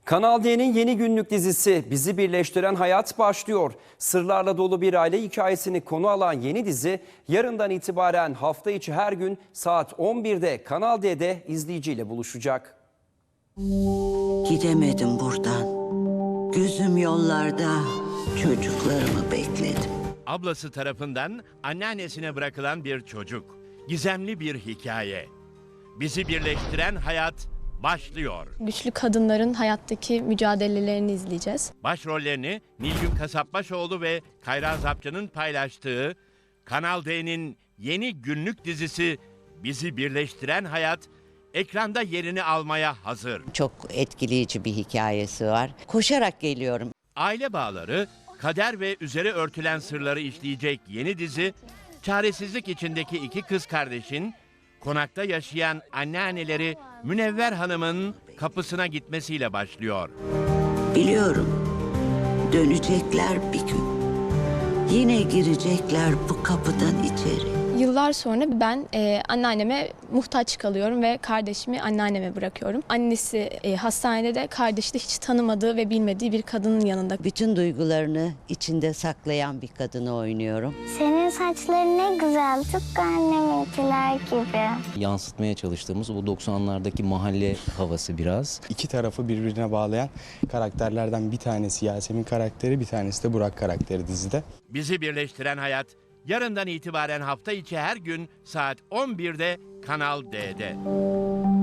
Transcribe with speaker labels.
Speaker 1: Kanal D'nin yeni günlük dizisi Bizi Birleştiren Hayat başlıyor. Sırlarla dolu bir aile hikayesini konu alan yeni dizi yarından itibaren hafta içi her gün saat 11'de Kanal D'de izleyiciyle buluşacak.
Speaker 2: Gidemedim buradan. Gözüm yollarda, çocuklarımı bekledim.
Speaker 3: Ablası tarafından anneannesine bırakılan bir çocuk. Gizemli bir hikaye. Bizi birleştiren hayat başlıyor.
Speaker 4: Güçlü kadınların hayattaki mücadelelerini izleyeceğiz.
Speaker 3: Başrollerini Nilgün Kasapbaşoğlu ve Kayra Zapçı'nın paylaştığı Kanal D'nin yeni günlük dizisi Bizi Birleştiren Hayat ekranda yerini almaya hazır.
Speaker 2: Çok etkileyici bir hikayesi var. Koşarak geliyorum.
Speaker 3: Aile bağları, kader ve üzeri örtülen sırları işleyecek yeni dizi, çaresizlik içindeki iki kız kardeşin konakta yaşayan anneanneleri Münevver Hanım'ın kapısına gitmesiyle başlıyor.
Speaker 2: Biliyorum, dönecekler bir gün. Yine girecekler bu kapıdan içeri.
Speaker 4: Yıllar sonra ben anneanneme muhtaç kalıyorum ve kardeşimi anneanneme bırakıyorum. Annesi hastanede de kardeşi de hiç tanımadığı ve bilmediği bir kadının yanında.
Speaker 2: Bütün duygularını içinde saklayan bir kadını oynuyorum.
Speaker 5: Senin saçların ne güzel, tıpkı anneminkiler gibi.
Speaker 6: Yansıtmaya çalıştığımız o 90'lardaki mahalle havası biraz.
Speaker 7: İki tarafı birbirine bağlayan karakterlerden bir tanesi Yasemin karakteri, bir tanesi de Burak karakteri dizide.
Speaker 3: Bizi Birleştiren Hayat yarından itibaren hafta içi her gün saat 11'de Kanal D'de.